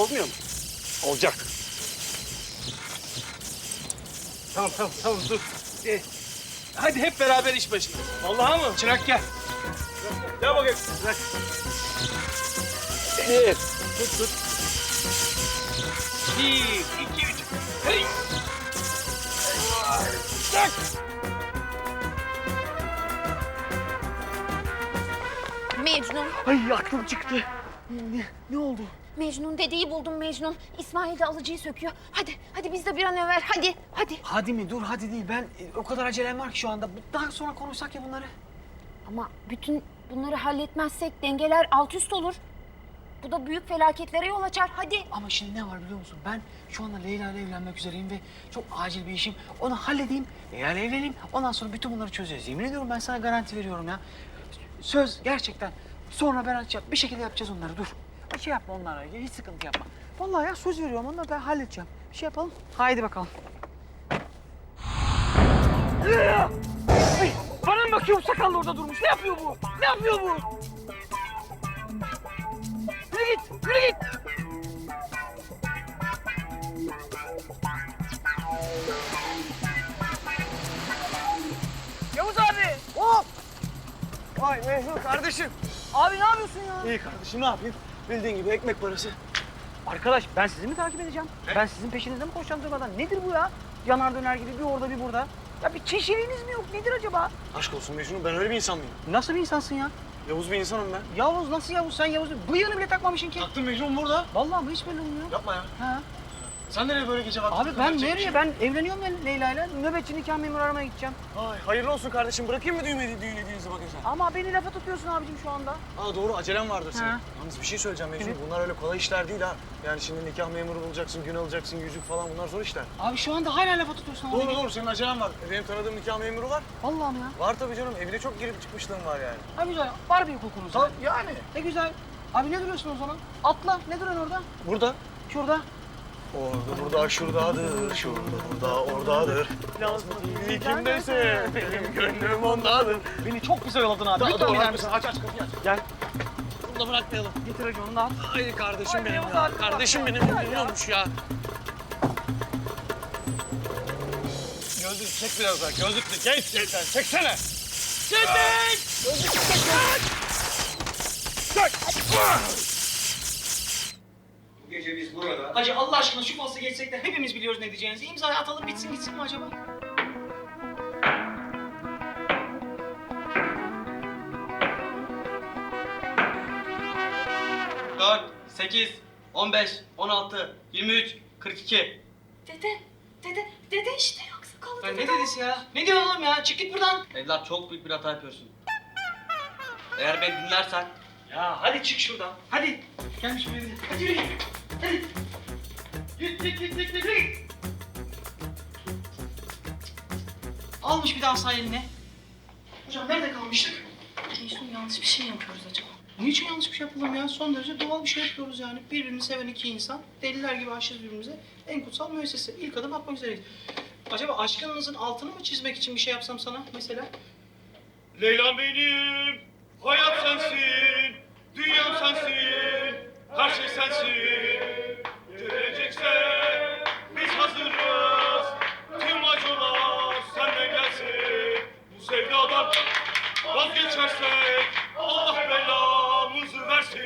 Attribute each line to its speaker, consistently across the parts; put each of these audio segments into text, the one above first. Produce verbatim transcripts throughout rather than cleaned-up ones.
Speaker 1: olmuyor mu? Olacak. Tamam tamam tamam dur. Ee, hadi hep beraber iş başına. Vallahi mı? Çırak gel. Gel bakayım. Bırak. Bir. Tut tut. Bir, iki, üç. Hey. Tak.
Speaker 2: Mecnun.
Speaker 3: Ay aklım çıktı. Ne, ne oldu?
Speaker 2: Mecnun dedeyi buldum Mecnun. İsmail de alıcıyı söküyor. Hadi, hadi biz de bir an evvel. Hadi, hadi.
Speaker 3: Hadi mi? Dur hadi değil. Ben e, o kadar acelem var ki şu anda. Daha sonra konuşsak ya bunları.
Speaker 2: Ama bütün bunları halletmezsek dengeler alt üst olur. Bu da büyük felaketlere yol açar. Hadi.
Speaker 3: Ama şimdi ne var biliyor musun? Ben şu anda Leyla ile evlenmek üzereyim ve çok acil bir işim. Onu halledeyim, Leyla ile evleneyim. Ondan sonra bütün bunları çözeceğiz. Yemin ediyorum ben sana garanti veriyorum ya. Söz gerçekten. Sonra ben açacağım. Bir şekilde yapacağız onları. Dur. Bir şey yapma onlarla ilgili. Hiç sıkıntı yapma. Vallahi ya söz veriyorum. Onları ben halledeceğim. Bir şey yapalım. Haydi bakalım. Ay, bana mı bakıyor? Sakallı orada durmuş. Ne yapıyor bu? Ne yapıyor bu? Yürü git. Yürü git. Yavuz abi. Hop.
Speaker 1: Vay Mecnun kardeşim.
Speaker 3: Abi ne yapıyorsun ya?
Speaker 1: İyi kardeşim ne yapayım? Bildiğin gibi ekmek parası.
Speaker 3: Arkadaş ben sizi mi takip edeceğim?
Speaker 1: Ne?
Speaker 3: Ben sizin peşinizde mi koşacağım durmadan? Nedir bu ya? Yanar döner gibi bir orada bir burada. Ya bir çeşitliğiniz mi yok? Nedir acaba?
Speaker 1: Aşk olsun Mecnun, ben öyle bir insan mıyım?
Speaker 3: Nasıl bir insansın ya?
Speaker 1: Yavuz bir insanım ben.
Speaker 3: Yavuz nasıl Yavuz? Sen Yavuz bıyığını bile takmamışsın ki.
Speaker 1: Taktım Mecnun burada.
Speaker 3: Vallahi bu hiç belli olmuyor.
Speaker 1: Yapma ya.
Speaker 3: Ha.
Speaker 1: Sen nereye böyle gece vakti?
Speaker 3: Abi ben
Speaker 1: takılacak bir
Speaker 3: nereye?
Speaker 1: şey?
Speaker 3: Ben evleniyorum ben Leyla'yla. Nöbetçi nikah memuru aramaya gideceğim.
Speaker 1: Ay, hayırlı olsun kardeşim. Bırakayım mı düğün, düğün hediyenizi bakın sen?
Speaker 3: Ama beni lafa tutuyorsun abicim şu anda.
Speaker 1: Aa doğru, acelem vardır senin.
Speaker 3: Ha.
Speaker 1: Yalnız bir şey söyleyeceğim Mecnun.
Speaker 3: Evet.
Speaker 1: Bunlar öyle kolay işler değil ha. Yani şimdi nikah memuru bulacaksın, gün alacaksın, yüzük falan, bunlar zor işler.
Speaker 3: Abi şu anda hala lafa tutuyorsun abi.
Speaker 1: Doğru doğru, senin acelen var. E, Benim tanıdığım nikah memuru var.
Speaker 3: Vallahi mi ya?
Speaker 1: Var tabii canım. Evine çok girip çıkmışlığım var yani.
Speaker 3: Ha güzel. Var bir hukukunuz.
Speaker 1: Tamam yani.
Speaker 3: Ne güzel. Abi ne duruyorsun o zaman? Atla. Ne duruyorsun orada?
Speaker 1: Burada.
Speaker 3: Şurada.
Speaker 1: Orada, burada, şuradadır, şurada, burada, oradadır. Lazım kimdeyse, benim gönlüm ondadır.
Speaker 3: Beni çok güzel yoladın abi.
Speaker 1: Daha
Speaker 3: Lütfen
Speaker 1: doğru
Speaker 3: gider
Speaker 1: haklısın.
Speaker 3: misin?
Speaker 1: Aç aç kapıyı aç.
Speaker 3: Gel.
Speaker 1: Bunu da bırakmayalım.
Speaker 3: Getir hacı onu da al.
Speaker 1: Ay kardeşim
Speaker 3: Ay,
Speaker 1: benim
Speaker 3: Yavuz
Speaker 1: ya.
Speaker 3: abi,
Speaker 1: Kardeşim
Speaker 3: bak ya.
Speaker 1: benim
Speaker 3: Ya,
Speaker 1: ne
Speaker 3: ya.
Speaker 1: olmuş ya. Gözlük çek biraz daha. Gözlüklü genç şeytan. Çeksene. Çek. Gözlüklü çek. Çek.
Speaker 4: Bu gece biz burada...
Speaker 3: Hacı Allah aşkına şu faslı geçsek de hepimiz biliyoruz ne diyeceğinizi. İmzayı atalım bitsin gitsin mi acaba?
Speaker 4: dört, sekiz, on beş, on altı, yirmi üç, kırk iki.
Speaker 2: Dede, dede, dede işte yoksa kaldı.
Speaker 3: Ya ne dedisi ya? Ne diyorsun oğlum ya? Çık git buradan.
Speaker 4: Evlat çok büyük bir hata yapıyorsun. Eğer beni dinlersen...
Speaker 3: Ya hadi çık şuradan. Hadi. Gelmiş buraya bir de. Hadi yürü. Hadi. Git git git git git. Yürü. Almış bir daha sağ eline. Hocam nerede kalmıştık?
Speaker 2: Mecnun yanlış bir şey yapıyoruz acaba?
Speaker 3: Niçin yanlış bir şey yapalım ya? Son derece doğal bir şey yapıyoruz yani. Birbirini seven iki insan, deliler gibi aşığız birbirimize. En kutsal müessese. İlk adım atmak üzereyiz. Acaba aşkınızın altını mı çizmek için bir şey yapsam sana mesela?
Speaker 5: Leyla'm benim, hayat sensin, dünyam sensin, her şey sensin. Gelecekse biz hazırız, tüm acılar senden gelsin. Bu sevdadan vazgeçersek Allah belamızı versin.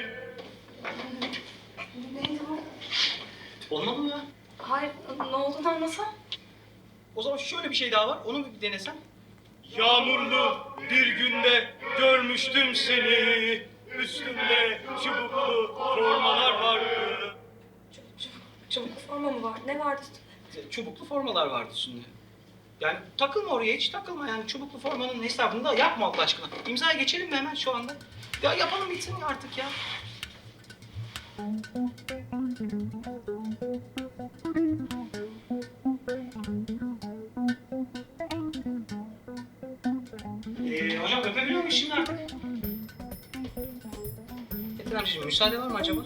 Speaker 2: Neydi bu?
Speaker 3: Olmadı mı ya?
Speaker 2: Hayır, ne olduğunu anlasam.
Speaker 3: O zaman şöyle bir şey daha var, onu bir denesem.
Speaker 5: Yağmurlu bir günde görmüştüm seni, üstünde çubuklu formalar vardı.
Speaker 2: Çubuk, çubuk forma mı var? Ne vardı?
Speaker 3: Çubuklu formalar vardı üstünde. Yani takılma oraya, hiç takılma yani. Çubuklu formanın hesabını da yapma Allah aşkına. İmzaya geçelim mi hemen şu anda? Ya yapalım bitsin artık ya. Ee, hocam öpebiliyor muyuz şimdi artık? Metin amcacığım müsaade var mı acaba?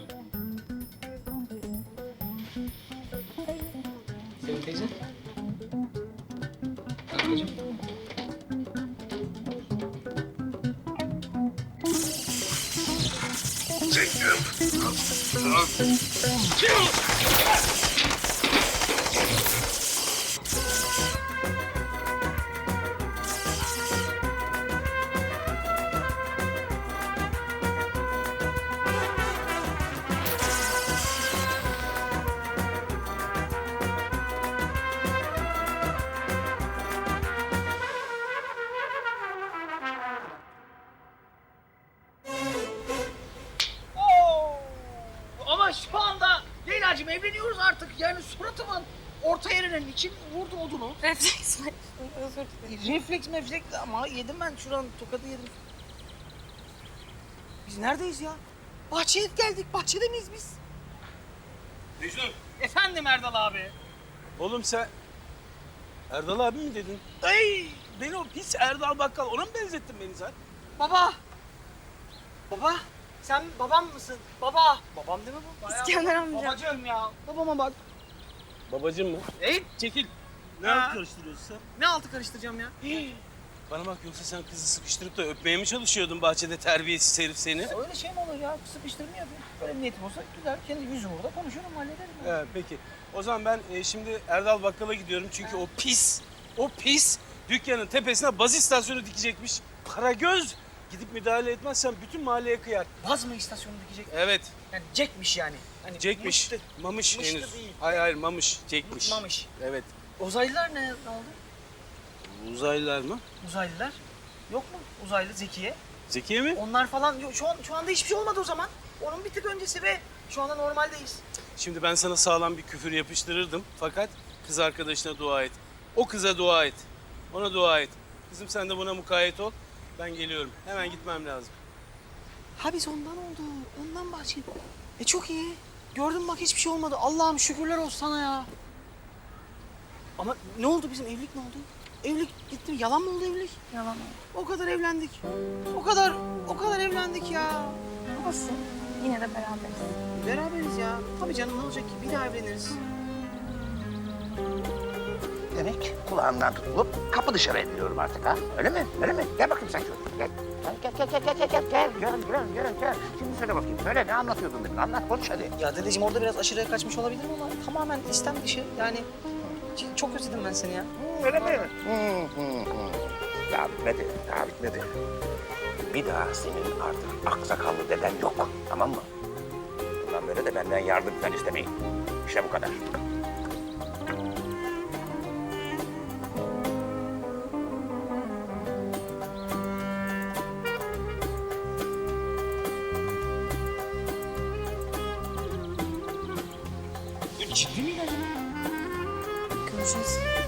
Speaker 3: Sevim teyze. Anneciğim. Oo! Ama şu anda Leyla'cığım evleniyoruz artık. Yani suratımın orta yerinin için vurdu odunu.
Speaker 2: Refleks var. Özür dilerim.
Speaker 3: Refleks mefleks ama yedim ben şuranın tokadı yedim. Biz neredeyiz ya? Bahçeye geldik. Bahçede miyiz biz?
Speaker 1: Mecnun.
Speaker 3: Efendim Erdal abi.
Speaker 1: Oğlum sen Erdal abi mi dedin?
Speaker 3: Ay
Speaker 1: Beni o pis Erdal Bakkal ona mı benzettin beni sen?
Speaker 3: baba. Baba. Sen babam mısın? Baba. Babam değil mi bu? Bayağı
Speaker 2: İskender
Speaker 3: baba.
Speaker 2: amca.
Speaker 3: Babacığım ya. Babama bak.
Speaker 1: Babacım mı?
Speaker 3: Ey
Speaker 1: Çekil. Ne
Speaker 3: Ha.
Speaker 1: yapıp karıştırıyorsun sen?
Speaker 3: ne altı karıştıracağım ya?
Speaker 1: Bana bak yoksa sen kızı sıkıştırıp da öpmeye mi çalışıyordun bahçede terbiyesiz herif seni?
Speaker 3: Ya öyle şey mi olur ya? Sıkıştırma yapayım. Böyle bir niyetim olsa güzel. Kendi yüzüm orada konuşurum hallederim. ya.
Speaker 1: He, peki. O zaman ben e, şimdi Erdal Bakkal'a gidiyorum çünkü o pis, o pis dükkanın tepesine baz istasyonu dikecekmiş. Karagöz gidip müdahale etmezsen bütün mahalleye kıyar.
Speaker 3: Baz mı istasyonu dikecek?
Speaker 1: Evet,
Speaker 3: Yani Jack'miş yani. Hani
Speaker 1: Jack'miş.
Speaker 3: mıştı.
Speaker 1: Mamış
Speaker 3: Mıştı
Speaker 1: henüz.
Speaker 3: değil.
Speaker 1: Hayır hayır Mamış, Jack'miş.
Speaker 3: Mamış.
Speaker 1: Evet.
Speaker 3: Uzaylılar ne, ne oldu?
Speaker 1: Uzaylılar mı?
Speaker 3: Uzaylılar. Yok mu? Uzaylı Zekiye.
Speaker 1: Zekiye mi?
Speaker 3: Onlar falan yok. Şu, an, şu anda hiçbir şey olmadı o zaman. Onun bir tık öncesi ve şu anda normaldeyiz.
Speaker 1: Şimdi ben sana sağlam bir küfür yapıştırırdım fakat kız arkadaşına dua et. O kıza dua et. Ona dua et. Kızım sen de buna mukayyet ol. Ben geliyorum. Hemen gitmem lazım.
Speaker 3: Ha biz ondan oldu. Ondan bahsediyor. E çok iyi. Gördün bak hiçbir şey olmadı. Allah'ım şükürler olsun sana ya. Ama ne oldu bizim evlilik ne oldu? Evlilik gitti mi? Yalan mı oldu evlilik?
Speaker 2: Yalan oldu.
Speaker 3: O kadar evlendik. O kadar, o kadar evlendik ya.
Speaker 2: Olsun. Yine de beraberiz.
Speaker 3: Beraberiz ya. Tabii canım ne olacak ki? Bir daha evleniriz.
Speaker 6: Demek kulağından tutulup kapı dışarı ediliyorum artık ha? Öyle mi? Öyle mi? Gel bakayım sen şöyle. Gel. Gel gel gel gel gel gel gel. Gel gel gel gel. Şimdi söyle bakayım. Söyle ne anlatıyordun demin? Anlat konuş hadi.
Speaker 3: Ya dedeciğim orada biraz aşırıya kaçmış olabilirim ama tamamen istem dışı. Yani ç- çok özledim ben seni ya.
Speaker 6: Hı, öyle mi? Hı, hı, hı. Daha bitmedi. Daha bitmedi. Bir daha senin artık aksakallı deden yok. Tamam mı? Bundan böyle de benden yardım falan istemeyin. İşte bu kadar.
Speaker 3: Ciddi mi?
Speaker 2: Görüşürüz.